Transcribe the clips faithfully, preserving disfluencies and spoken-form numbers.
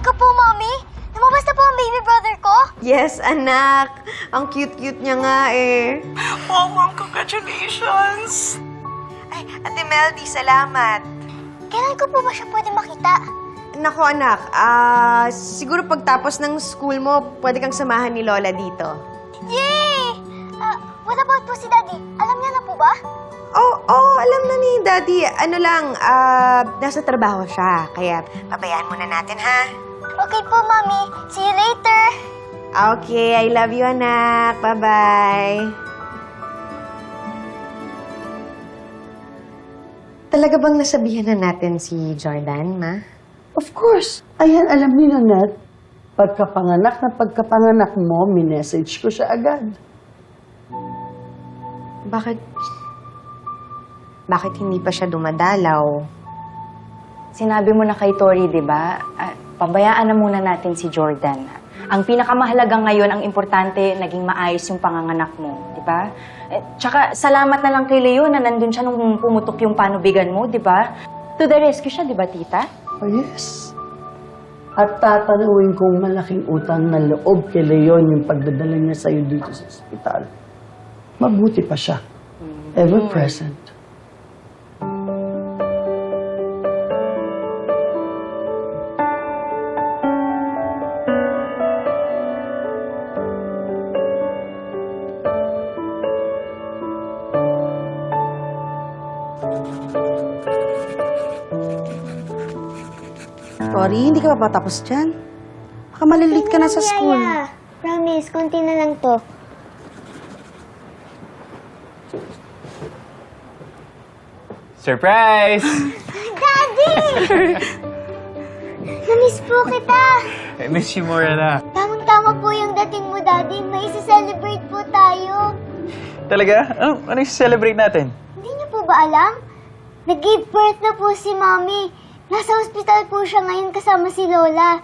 ko po, Mommy. Lumabas na po ang baby brother ko. Yes, anak. Ang cute-cute niya nga eh. Oh, Mom, congratulations! Ay, Ate Meldy, salamat. Kailan ko po ba siya pwede makita? Nako, anak. Ah, siguro pagtapos ng school mo, pwede kang samahan ni Lola dito. Yay! Ah, what about po si Daddy? Alam niya na po ba? Oh, oh, alam na ni Daddy. Ano lang, ah, nasa trabaho siya. Kaya, pabayaan muna natin, ha? Okay po, Mommy. See you later. Okay, I love you, anak. Bye-bye. Talaga bang nasabihan na natin si Jordan, ma? Of course. Ayan, alam ni Nanette, pagkapanganak na pagkapanganak mo, minessage ko siya agad. Bakit... Bakit hindi pa siya dumadalaw? Sinabi mo na kay Tori, di ba? Ah, pabayaan na muna natin si Jordan. Ang pinakamahalaga ngayon, ang importante, naging maayos yung panganganak mo, di ba? Eh, tsaka, salamat na lang kay Leo na nandun siya nung pumutok yung panubigan mo, di ba? To the rescue siya, di ba, tita? Oh, yes. At tatanawin kong malaking utang na loob kay Leon yung pagdadala niya sa'yo dito sa ospital. Mabuti pa siya. Ever present. Tori, hindi ka pa patapos dyan. Baka malilate ka na sa school. Yaya. Promise, konti na lang to. Surprise! Daddy! Namiss po kita. I miss you more na. Tamang-tama po yung dating mo, Daddy. May isa-celebrate po tayo. Talaga? Ano, ano yung celebrate natin? Hindi niyo po ba alam? Nag-give birth na po si Mommy. Nasa ospital po siya ngayon kasama si Lola.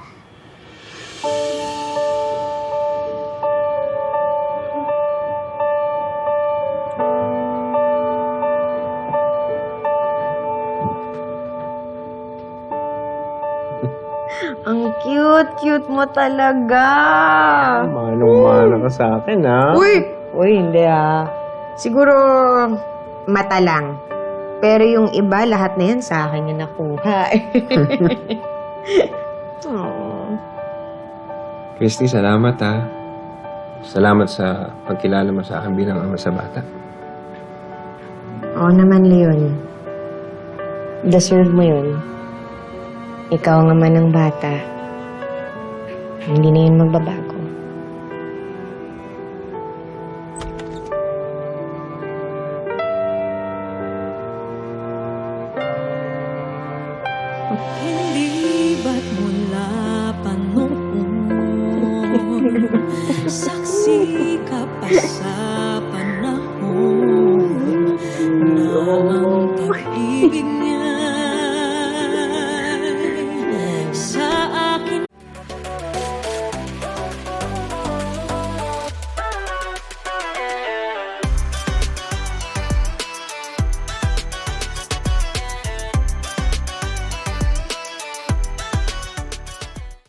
Ang cute-cute mo talaga. Manong-mana ka sa akin, ha? Uy! Uy, hindi ah. Siguro, mata lang. Pero yung iba, lahat na yan sa akin yung nakuha. Aww. Christy, salamat ha. Salamat sa pagkilala mo sa akin bilang ama sa bata. Oo naman, Leon. Deserve mo yun. Ikaw ang ama ng bata. Hindi na yun magbabago. Hindi ba't mula pa noon saksi ka pa sa